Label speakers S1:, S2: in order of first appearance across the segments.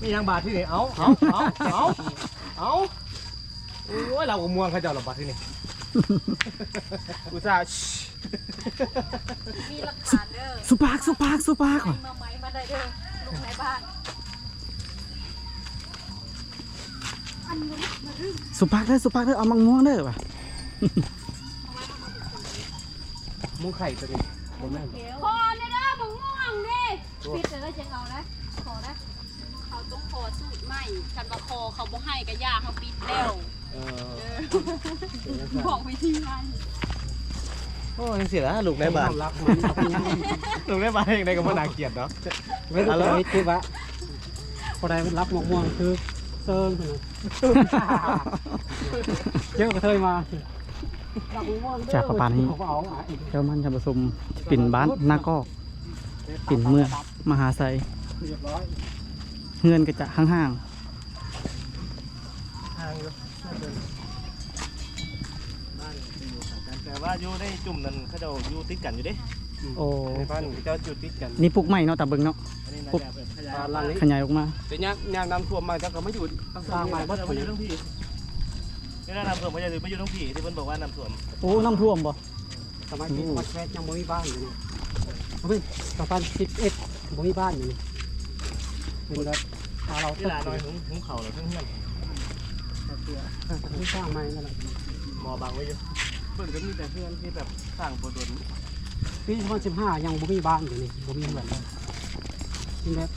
S1: มีนางบาทที่นี่เอาโอ้ยเราก็ม่วงเขาเจ้าหรอบาทที่นี่อุตส่าห์
S2: มีหลักฐานเด้อ
S3: สุปากว่ะ
S2: มาไหมมาได้เด้อลูกในบ้าน
S3: สุปากเด้อเอามังม่วงเด้อว่ะ
S1: มุ้งไข่ตัวนี้บนแม่
S2: คอเนี่ยเด้อบังม่วงดิพิษเลยจะเอานะขอนะเขาต้องคอสูตรใหม่คันว่าคอเขาบ่ให้ก็ยากเขาปิดแล้วบอกวิธีไง
S1: โอ้ยังเสียแล้วลูกในบ้านลูกในบ้านยังไงก็บ่น่าเกลียดเนาะ
S4: ไม่ต้องไปคือว่าพอได้รับหมกม่วงคือเซิร์นเยอะกระเทยมา
S3: จากประมาณนี้เจ้ามันจะผสมปิ่นบ้านหน้าก็ปิ่นเมืองมหาไซ
S4: เรียบร้อย
S3: เงินก็จะห่าง
S1: ทางอยู่บ้านอยู่กันแต่ว่าอยู่ในจุ่มนั้นเขาเจ้าอยู่ติดกันอยู่เด้
S3: ๆโอ้
S1: ในบ้านเขาเจ้าอยู่ติดกัน
S3: นี่ปลูกใหม่เนาะตาเบิงเนาะ
S1: อันนี้นะ
S3: ปุ๊บ
S1: แบบขยาย
S4: หลังนี้
S3: ขยายออกมา
S1: แต่ยางน้ำท่วมมาเจ้าก็ไม่อยู่สร้างใหม่เพราะจะมาอยู่ทั้งพี่นี่น้ำท่วมไม่ใช่ไม่อยู่ทั้งพี่ที่เพิ่นบอกว่าน้ำท่วม
S3: โอ้น้ำท่วมบ่
S4: สมัยที่วัดแค่ยังบ่มีบ้านอยู่นี่เฮ้ย2011บ่มีบ้านอยู่นี่เป็นแบบตาเรา
S1: ที่ลาน้อยหุงเข่าเราทั้งเฮี้ยน
S4: ที่สร้างใหม่นั่นแหละ
S1: หมอบังไว้อยู่เพิ่นก็มีแต่เพื่อนที่แบบสร้างโปรดน
S4: ปี2015ยังบ่มีบ้านอยู่นี่บ่มีเหมือนเลยเป็นแบบ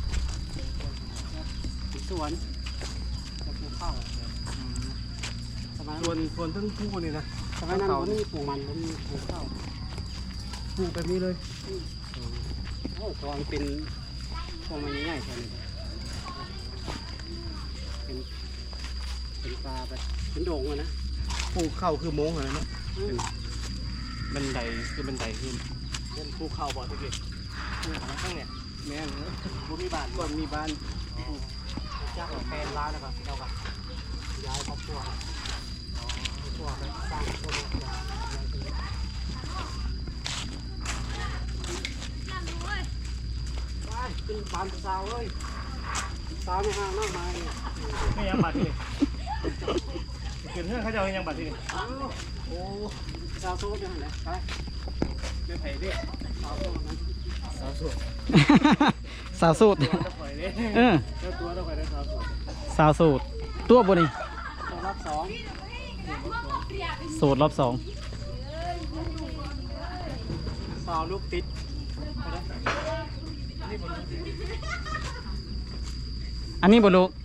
S4: สวนจะปลูกข้าวสมัย
S1: ส่วนทั้งคู่นี่นะ
S4: สมัยนั้นบ่มีปลูกมันบ่มีปลูกข้าว
S1: ปลูกแบบนี้เลย
S4: โอ้ตอนเป็นพวกมันใหญ่ๆแค่นี้เป็นปลาไปเป็นโด่งเลยนะ
S1: ปลูกเข้าคือโม้งอะไรเนาะบันไดคือบันไดขึ้นเป็นปลูกเข้าบ่อทุกทีข้างเนี่ย
S4: แม่นเลย
S1: บ่มีบ้าน
S4: ก่อนมีบ้านจ้างแฟนร้านแล้วก็เราก็ย้ายครอบครัวไปสร้างครอบครัวไปขึ้นบ้านสาวเลยสาวไม่ห่างมากมาย
S1: ไม่ยังบัตรที่นี่เกิดเรื่องเขาจะเอายังบัตรที่นี่
S4: โอ้สาวโซ่ยังไงไป
S1: เป็นไผ่เด้
S4: สาวโซ่นั้น
S1: สาวสุด
S3: สาวสูตร
S1: จะปล่อยเด้
S3: เออ
S1: เจ้าตัวจะปล่อยได้สาวสุด
S3: สาวสูตรตัวบ่นี่
S4: ตัวรับสอง
S3: สูตรรอบ2
S4: สาวลูกติด
S3: อันนี้บ่ลูก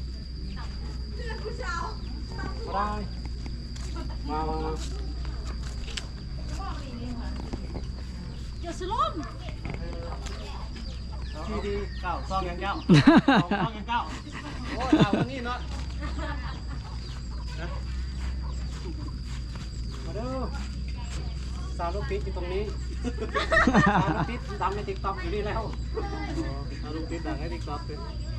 S4: ได้มา
S2: อย่าสลม
S1: ทีดีเก้าซองยังเก้าซองยังเก้าโอ้ดาวคนนี้เนาะ
S4: มาเด้อสาวลูกติดอยู่ตรงนี้สาวลูกติดดังในติ๊กต็อกอยู่นี่แล้ว
S1: เอาลูกติดต่างให้ติ๊กต็อกเลย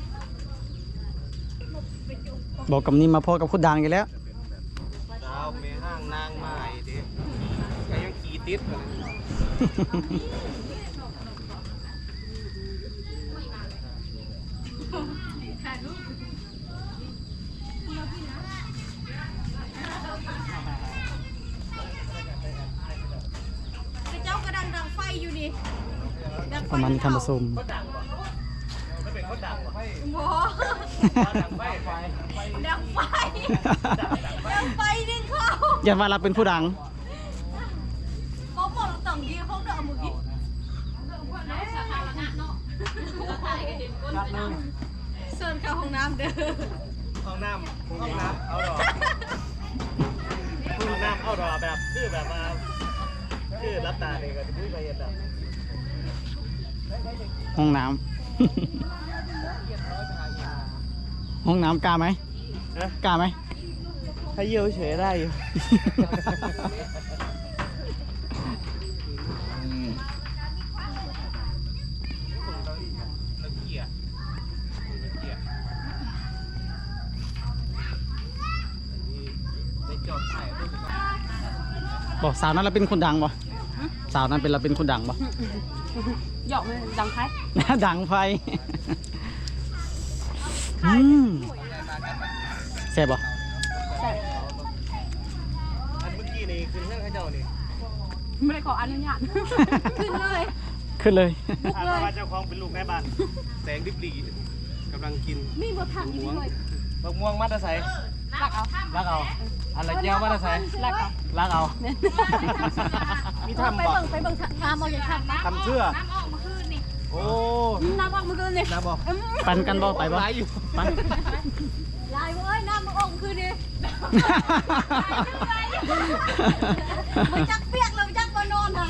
S3: บอกกับนี่มาพอกับคุดดังกันแล้ว
S1: ดาวเมห้างนางไม้ดิก็ยังขี่ติดเลย
S2: เจ้ากระดังไฟอยู่นี่
S3: ประมาณนี้ทำผสม
S1: เขาดังป่ะไม่เป็นเขาดังป่ะ
S2: หมอ
S1: ดังไฟ
S2: ดังไฟดังไฟดึงเข้า
S3: อย่าว่าเราเป็นผู้ดัง
S2: เขาบอกเราต่างดีเขาเดินมือกี้สาธารณะเนาะเซิร์นเข้าห้องน้ำเด้อ
S1: ห้องน้ำเอาดอกห้องน้ำเอาดอกแบบคือแบบมาคือรับตาเนี่ยก็จะพูดไปเห็นแบบ
S3: ห้องน้ำ ห้องน้ำกล้าไหมกล้าไหม
S1: ถ้าเยี่ยวเฉยได้อยู่
S3: บอกสาวนั้นเราเป็นคนดังบ่สาวนั้นเป็นเราเป็นคนดังบ่
S2: หยอกเลยดังไฟ
S3: ดังไฟแซ่บบ่
S1: อันเมื่อกี้นี่คือเรื่องข้าเจ้านี่
S2: ไม่ได้ขออนุญาตขึ้นเลย
S3: ขึ้นเลย
S1: อาณาเจ้าของเป็นลูกแม่บ้านแสงดิบดีกำลังกิน
S2: มีบทถังอยู่เลย
S1: บักม่วงมัดอาศัย
S2: ลักเอา
S1: รักเอาอะไรเจ้ามัดอาศัย
S2: ลักเอา
S1: รักเอามีทำ
S2: ไป
S1: บ่
S2: เบิ่งทำเอาอย่างทำนะ
S1: ทำเสื้อ
S2: น้ำออกมาคืนนี่
S1: โอ้
S2: น้ำออกมาคืนนี่
S1: น้าบอก
S3: ปันกันบ่ไปบ่
S1: หลายอยู่
S3: ปัน
S2: ลายเว้ยน้ำมันออกมาคืนนี่มันจักเปียกเลยจักมานอนค่ะ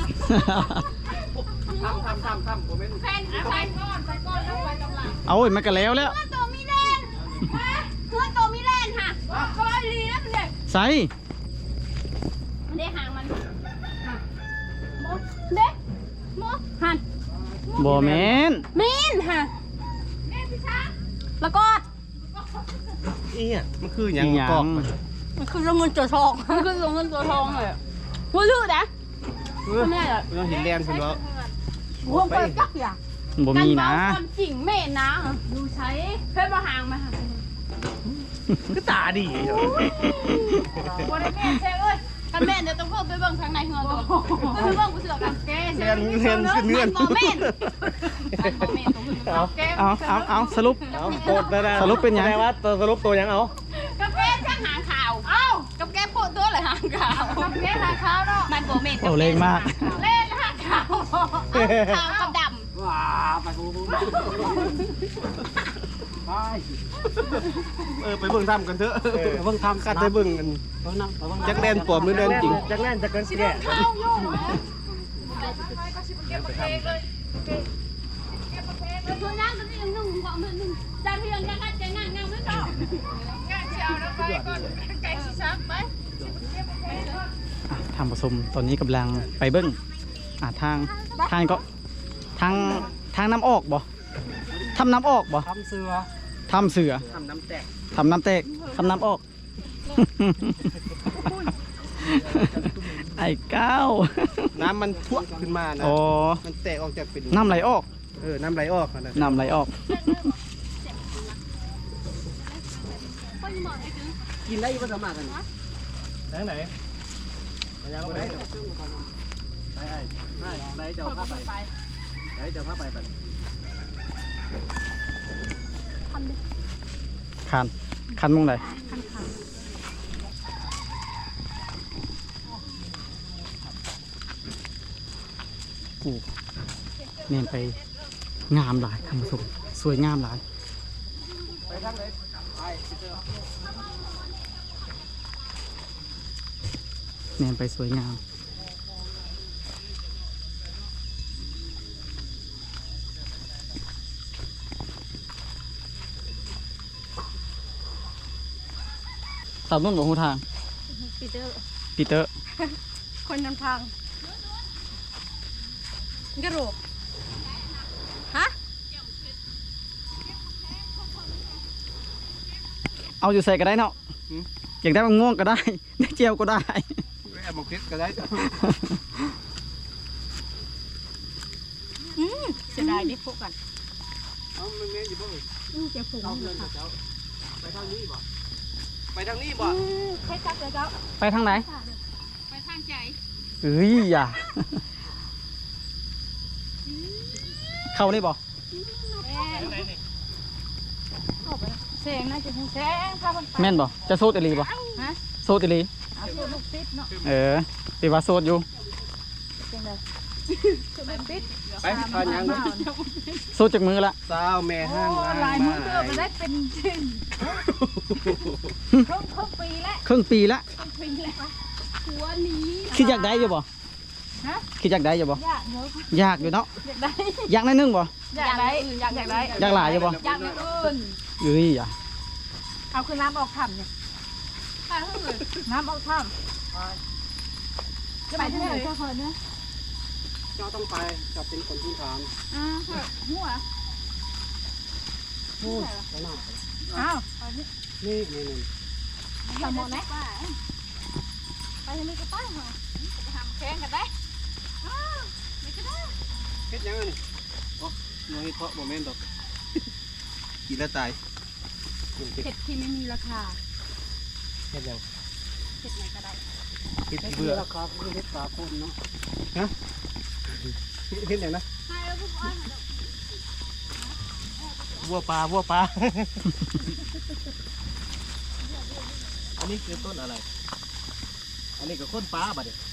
S1: ทำผมเป็น
S2: แฟนไปก่อนแล้วไปกำลัง
S3: เอาอีกมันก็แล้วแล้ว
S2: เพื่อนตัวมีแลนเพื่อนตัวมีแลนค่ะก็ไอ้ลีนะมันเด็ก
S3: ใส่
S2: มันได้หางมันมดเด็กมดหัน
S3: บ่แม่น
S2: มีนค่ะแม่พี่ช้างแล้วก็
S1: นี่อ่ะมันคืออย่างกอก
S2: มันคือเงินตัวทองมันคือเงินตัวทองเลยหัวลืดนะแม่อะ
S1: เราเห็นแลนคุณแล้ว
S2: หัวเปิดจักอย่าง
S3: บ่มีนะ
S2: ความจริงแม่นะดูใช้เพื่อนมาหางมาค่ะ
S1: ก็ตาดี
S2: วันนี้แม่เช่เอ้ยกันแม่เดี๋ยวต้องเพิ่มไปเบิ่งทางในเฮือนตัวไปเบิ่งกูเสือกันแกเช่มันบ่แม่นแก
S3: เอาสรุป
S1: เอาโคตรได้
S3: สรุปเป็นหยัง
S1: ไงวะสรุปตัวยังเอา
S2: กับแกช่างหางขาวเอ้ากับแกโพดตัวเลยหางขาวกับแกหางขาวเนาะมันบ่แม่น
S3: โอ้เล่งมาก
S2: เล่นหางขาวขาวกับดำ
S4: ว้าไปกูไป
S1: ไปเบิ่งทำกันเถอะ
S4: เบิ่งทำ
S1: กันไปเบิ่งกันจักแดนปลอมหรือแดนจริงจักแดนจักกันแก่
S2: ข้าวโย่ตัวนั่งตัวนี้ยังนุ่งกว่ามันนุ่งจานเทียงยังกันใจงานงานไม่ชอบงานเชียวแล้วไปก่อนไก่ชิซักไป
S3: ทำผสมตอนนี้กำลังไปเบิ้งทางก็ทางน้ำออกบ่ทำน้ำออกบ่
S4: ทำเสือ
S3: ทำเสือ
S1: ทำน้ำแตก
S3: ทำน้ำแตกทำน้ำออก ไอ้ก้าว
S1: น้ำมันท่วมขึ้นมานะ
S3: อ๋อ
S1: มันแตกออกจากเป็น
S3: น้ำไหลออก
S1: น้ำไหลออกนะ
S3: น้ำไหลออก
S4: กินได้ก็สามารถกัน
S1: ไหนไหนไปยังไปไปเจ้าผ้าไปไหนเจ้าผ้าไป
S3: คันมุงไหนกูเน้นไปงามหลายคำผสมสวยงามหลาย
S1: ไปทางไหนไป
S3: เน้นไปสวยงาม สาวนุ่นบอกหูทาง
S2: ปีเตอร์
S3: ปีเตอร์
S2: คนนำทางกระโหลกฮะ
S3: เอาอยู่ใส่ก็ได้เนาะอยากได้มะม่วงก็ได้ ได้เจียวก็ได้
S1: แม่บอกคิดก็ได้
S2: เสียดายดิพวกกัน
S1: เอามันแม่อยู่บ้าง
S2: เจ้าฝูงเลยค่ะ
S1: ไปทางนี้บ่ไปทางนี้บ่
S2: ใครจับเลยเจ้า
S3: ไปทางไหน
S2: ไปทางใจ
S3: เอ้ยอย่า เข้านี่บ่
S2: เสียงน่าจะถึงแสงพาคนไป
S3: แม่นบ่จะโซดอีหลีบ่
S2: ฮะ
S3: โซดอีหลี
S2: เอาตัวลูกปิดเนาะ
S3: ตีว่าโซดอยู่
S2: เสียงเลยตัวลูกปิด
S1: ไปทางยัง
S3: โซดจากมือละ
S1: สาวแม่ห้าง
S2: ลายมือเกือบมาได้เป็นจริงครึ่งปีแล้ว
S3: ครึ่งปีละ
S2: ปีแล้วหัวหนี
S3: คิดอยากได้อยู่บ่
S2: ฮะ
S3: คิดอยากได้อยู่บ่
S2: อยากเยอะ
S3: อยากอยู่เนาะ
S2: อยากได้
S3: อยากในอยนึงบ่
S2: อยากได้อยากได้
S3: อยากหลายอยู่บ่
S2: อยากอย่างอื่น
S3: เอ้ยอย่า
S2: เอาคือน้ำออกถ้ำเนี่ยไปเท่าไหร่น้ำออกถ้ำจะไปที่ไหนเจ้าเพิ่นเนี่ย
S4: เจ้าต้องไปจับเป็นคนที่ถาม
S2: หัว
S4: พูดไปหน้า
S2: อ้าว
S4: นี่
S2: สมองไหมไปที่นี่ก็ไปเหรอไปทำแข่งกันได้ไม่ก็ได้
S1: คิดยังไงนี่โอ้ยเพราะโมเมนต์ดอกกินแล้วตายกินพริก
S2: เห็ดที่ไม่มีราคา
S1: เห็ดยัง
S2: เห็ดไหนก็ได้
S1: พริก
S4: เฮ็ด
S1: เบื่อ
S4: ราคาคือเฮ็ดปลาคนเนาะ
S1: เห็ดยังนะ
S2: ให้แล้วพวกอ้อยมาเดี๋ยว
S1: วัวปลาวัวปลา อันนี้คือต้นอะไร อันนี้ก็ต้นปลาบัดเนี่ย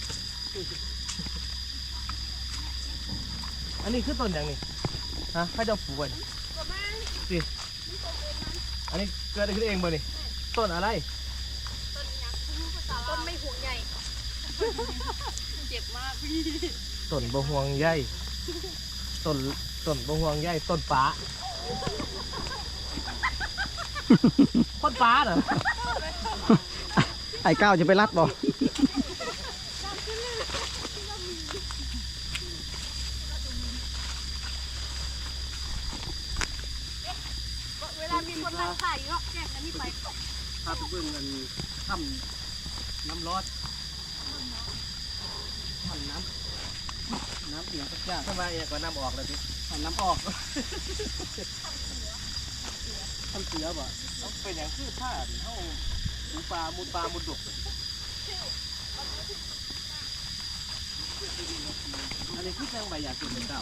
S1: อันนี้คือต้นอย่างนี้ฮะข้าเจ้าปลูกไว้
S2: ก็มา
S1: สิอันนี้เกิดขึ้นเองบ่นี่ต้นอะไร
S2: ต้นยักษ์ต้นไม่ห่วงใหญ่ เจ็บมากพี่
S1: ต้นบะฮวงใหญ่ต้นบะฮวงใหญ่ต้นปลาต้นปลาเหรอ
S3: ไอ้ก้าวจะไปรัดบ่
S2: เวลามีคนนั่งถ่ายเนาะแกงอันนี้ไป
S1: พาไปเบิ่งกันทำน้ำร้อนทำน้ำเอียงสักอย่างทำไมเอียงกว่าน้ำออกเลยพี่น้ำออกทำเสือบ่ต้องเป็นอย่างคือผ้าเท่าหมูปลามุดดุกอันนี้คือแตงใบอยากกินเป็นเก่า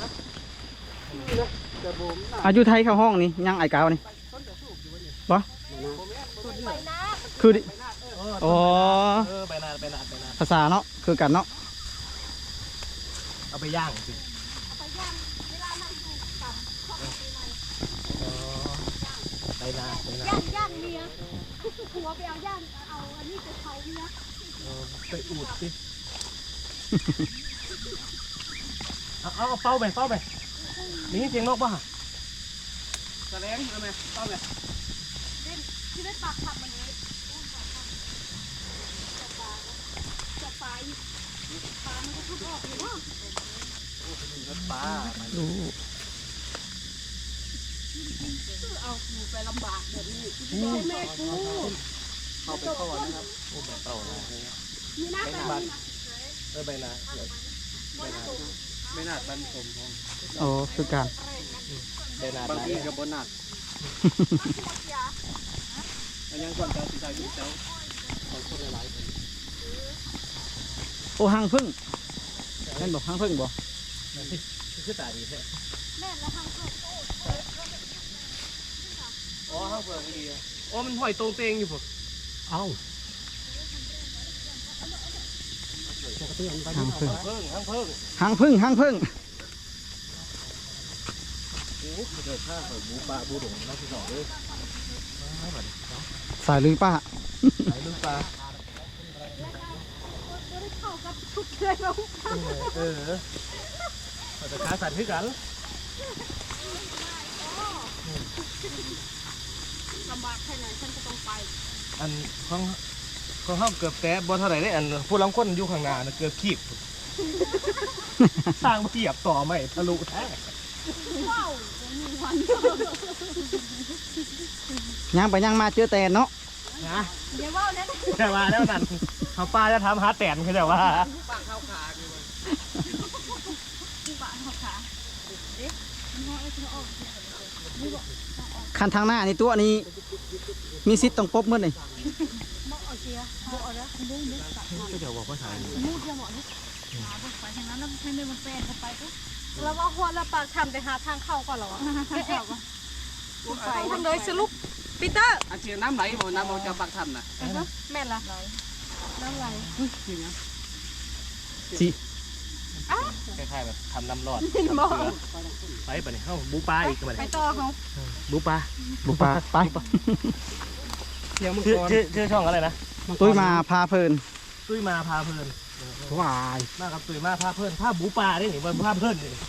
S4: จะบ่มน่ะ
S3: อายุไทยเข้าห้องนี่ยังไอ้ก้าวนี่บ่
S2: ไปนะ
S3: คือดิ
S1: โอ้
S3: อ๋อ
S1: ไปนาน
S3: ภาษาเนาะคือกันเนาะ
S1: เอาไปย่างสิ
S2: ไปย่างเวลามันถูกกับข้าวปีใหม่
S1: ไปนาน
S2: ย่างเมียผัวไปเอาย่างเอาอันนี้ไปเผาเมีย
S1: ไปอูดสิเอาเป้าไปนี่เสียงนกป่ะแสดงเอาไหมเป้าไหม
S2: ที่ได้ปากขับมันนี้จะปลามันก็ทุบออกอยู่เนาะ
S1: รถปลา
S3: ดู
S2: เอาหนูไปลำบากแบบนี้แม่กู
S1: เข้าไปเข้านะครับโอ้แบบเต่านะ
S2: มีน้ำไปนี่นะ
S1: ใบนาไม่นาดบันสมพง
S3: โอ้คือกัน
S1: ใบนาด
S4: บางทีก็บ่นัดอันยังก่อนจะสิได้อยู่เจ้าของคนหลายๆคน
S3: โอ้หางพึ่งแม่นบอกหางพึ่งบ่
S1: คือตาดีแท้
S2: แม่แล้วทางเข้า
S1: อ๋อห้างเฟืองดีอ๋อมันห้อยตรงเตงอยู่ผม
S4: เอ้าปกติอันไป
S3: หาง
S4: เอา
S3: พึ่ง
S1: ห้างเพิ่ง
S3: หางพึ่งหางพึ่ง
S1: โอ้เกิดข้าเปิดบูปลาบูหลงน้องที่สองด้วย
S3: สายลุยป้า
S1: ไหนลูกปลา
S2: เข้ากับชุดเลยเรา
S1: เราจะค้าสัตว์ขึ้นกัน
S2: ลำบากแค่ไหนฉันก็ต้องไป
S1: อันของห้างเกือบแต่บ่เท่าไหร่ได้อันผู้ล้ำก้นอยู่ข้างหน้านะเกือบขีบสร้างเทียบต่อไม่ทะลุแท้
S2: ว้าวมีวัน
S3: ย่างไปย่างมาเจอแตนเนาะ
S1: นะ
S2: เดี๋ยวว่าเนี่ย
S1: แต่ว่าแล้วนั่นเขาป้าจะทำหาแตนคือแต่ว่า
S2: ปากเขาขาเอ๊ะมันห้อยจะออก
S3: คันทางหน้านี่ตัวนี้มีสิทธิ์ต้องปบมืดเลย
S2: มอกเอาเชียบอกเอาแล้วดูนึกตัด
S1: ก็เดี๋ยวบอกว่าถ่าย
S2: มูดจะเหมาะนี่หาไปทางนั้นแล้วให้มันแปลนเข้าไปปุ๊บแล้วว่าหัวเราปากทำไปหาทางเข้าก่อนเหรอไปทางเลยสรุปปีเตอร์
S4: อันเชียน้ำไหลบ่น้ำเอาจากปากถ้ำน่ะ
S2: แม่นละน้ำไหล
S3: สิ
S1: คล้ายๆแบบทำน้ำรอด
S2: บอก
S1: ไปปะเนี่ยเข้าบูปลาอีกปะ
S2: ไป
S1: เนี่ย
S2: ต่อเขา
S1: บูปลา
S3: บุกป่าไป
S4: เที่ยวมัง
S1: ชื่อก
S4: ร
S1: ชื่อช่องอะไรนะ
S3: ตุ้ยมาพาเพลิน
S1: ตุ้ยมาพาเพลิน
S4: วาย
S1: มากับตุ้ยมาพาเพลินพาบูปลาได้หนิมันพาเพลินนี่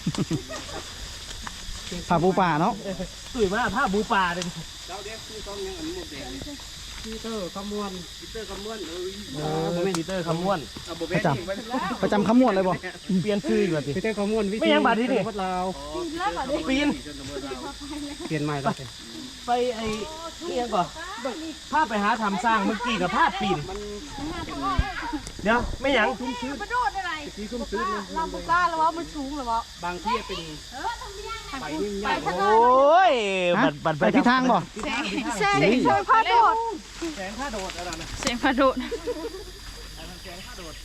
S3: พาปูป่าเนาะ
S1: ตุ้ยมาพาบูปลาเลย
S4: เจ้าเด็กคือต้องยังอันหมดแดงพีเตอร์ขมวนพีเตอร์ขมวน
S1: ปีเตอร์คำม้วน
S4: เอาบ่แม่นอีกไปแล้ว
S3: ประจำขมวดเลยบ่
S1: เปลี่ยนชื่ออยู่สิ
S4: พีเตอร์ขมวนวิธี
S1: ไม่ยังบาดที่นี่
S4: วัดลาว
S2: ปีนแล้วเหรอเด็ก
S1: ปีน
S4: เปลี่ยนใหม่แล้ว
S1: ไปไอ้นี่ยังก่อนภาพไปหาทำสร้างเมื่อกี้กับภาพปีนเดี๋ยวไม่หยัง
S2: มาโดดอะไร
S4: ที่ซุ่มซื้อนะ
S2: เราบุกล้าแล้วว่ามันสูงหรือเปล่า
S4: บางที่เป็นไปนิ่ง
S2: ไป
S4: ยาก
S2: ทาง
S1: โอ้ย
S3: ฮะ
S1: บัด
S3: ไปที่ทางบ่
S2: แซงเชิงพาโดด
S1: แสงข้าโดดอะไรนะ
S2: เสียงพาโดด
S1: แสงข้าโดด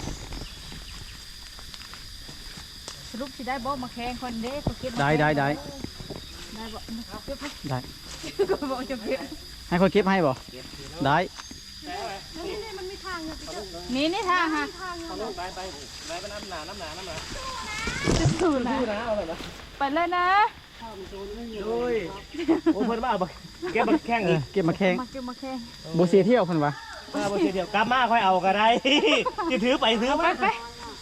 S2: สรุปสิได้บ่มาแข่งคนเด้ก็เก็บ
S3: ได้
S2: ได้บ่เก็บ
S3: ได้
S2: ก็บอกจะเก็บ
S3: ให้คนเก็บให้บ่ได้
S2: นี่มันมีทางนี่ทางฮะ
S1: ไปน้ำหนา
S2: สูนนะ
S1: เอาเลยนะ
S2: ไปเลยนะ
S1: โอ้ยโอ้เพิ่นมาเอาบักแกบักแข้งอีก
S3: เก็บมาแข่ง
S2: มาเก็บมาแข่ง
S3: บ่เสียเที่ยวเพิ่นว่า
S1: มาบ่เดียวกลับมาค่อยเอาก็ได้จะถือไปถือมา
S2: ไป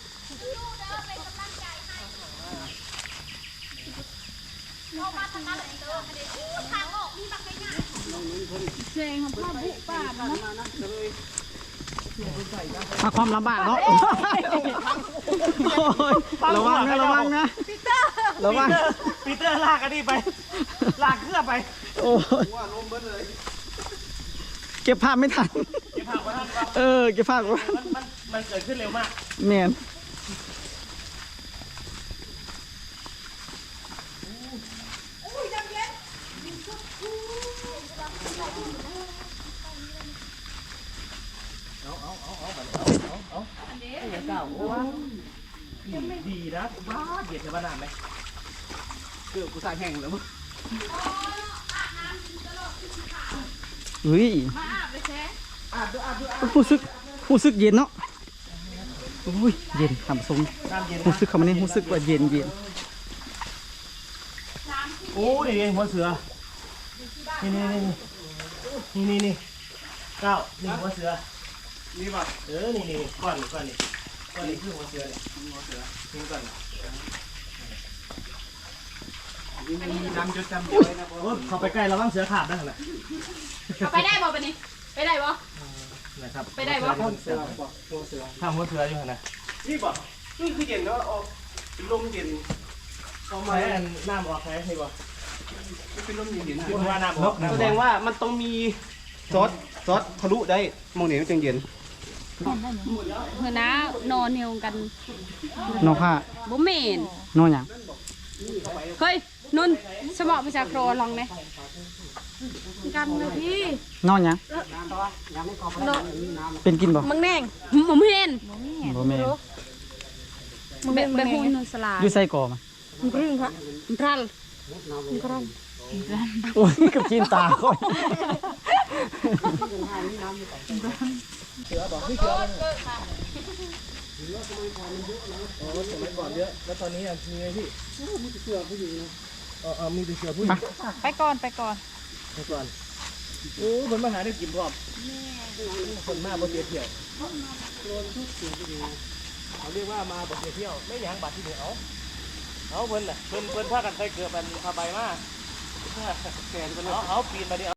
S2: เสียงของพ่อบุป่านะ
S3: มาความลำบากเนาะโอ้ยระวังนะระวังนะระวัง
S1: ปีเตอร์ลากอันนี้ไปลากเครื่องไป
S3: โอ้ยเก็บภาพไม่ทัน
S1: เก็บผักไว้ท่านครับ
S3: เก็บภาพไว้
S1: มันเกิดขึ้นเร็วมาก
S3: แม่น
S1: ดีนะบ้าเด็ดในบ้านน้ำไหม
S4: เกือบกูใส่แห้งแล้วมั้ง
S3: เฮ้ย
S2: มาอาบเลยแช่
S3: รู้สึกเย็นเนาะอุ้ยเย็นทำสม
S1: น้ำเย็น
S3: รู้สึกเขามาเนี่ยรู้สึกว่าเย็น
S1: โอ้ดิหัวเสือนี่เก้านี่หัวเสือ
S4: นี่ป่ะ
S1: นี่ก้อนนี่คือหัวเสือเนี่ยหัวเสือนี่ก้อน
S4: นี่มันมีน้ำจดจำไว้นะพ่อ
S1: โอ้เขาไปใกล้ระวังเสือขาดนั่นแหละ
S2: ไปได้บ่ปะนี่ไปได้บ่
S1: นะครับ
S2: ไปได้บ่
S4: ต้นเสือป่ะตัวเสือ
S1: ข้ามหัวเสืออยู่นะ
S4: นี่ป่ะนี่คือเย็นเนาะออกลมเย็น
S1: เอามาให้น้ำออกใช่ไหมบ่
S4: เป็นลมเย็น
S1: พูดว่าน้ำออก
S4: แสดงว่ามันต้องมีซอสทะลุได้มองเห็นมันจังเย็น
S5: เมื่อน้านอนเหี่ยวกัน
S3: ๆน้องผ้า
S5: บ่เหม็น
S3: น้องหยัง
S5: เฮ้ยนุ่นสมองประชาโครลองไหม
S2: กันนะพี่
S3: น้องหยังเป็นกินบ่
S5: มังแดงบ่เหม็น
S3: บ่แม่น
S5: แบบหูนุ่นสลา
S3: อยู่ใส่ก่อมา
S5: กรึ้งค่ะรัน
S3: โอ้ยกับกินตาค่อย
S1: สมัยก่อนเยอะแล้วตอนนี้มีไหมพี่มีแต่เสือผู้หญิงนะมีแต่เสือผู้หญิง
S2: ไปก่อน
S1: ไปก่อนโอ้คนมาหาได้กินพร้อมคนมาบ่เสียเที่ยวเขาเรียกว่ามาบ่เสียเที่ยวไม่หยังบัตรที่เหลือเอาเพิ่นน่ะเพิ่นพากันใส่เกลือเป็นผ้าใบมาแก่เอาปีนมาดิ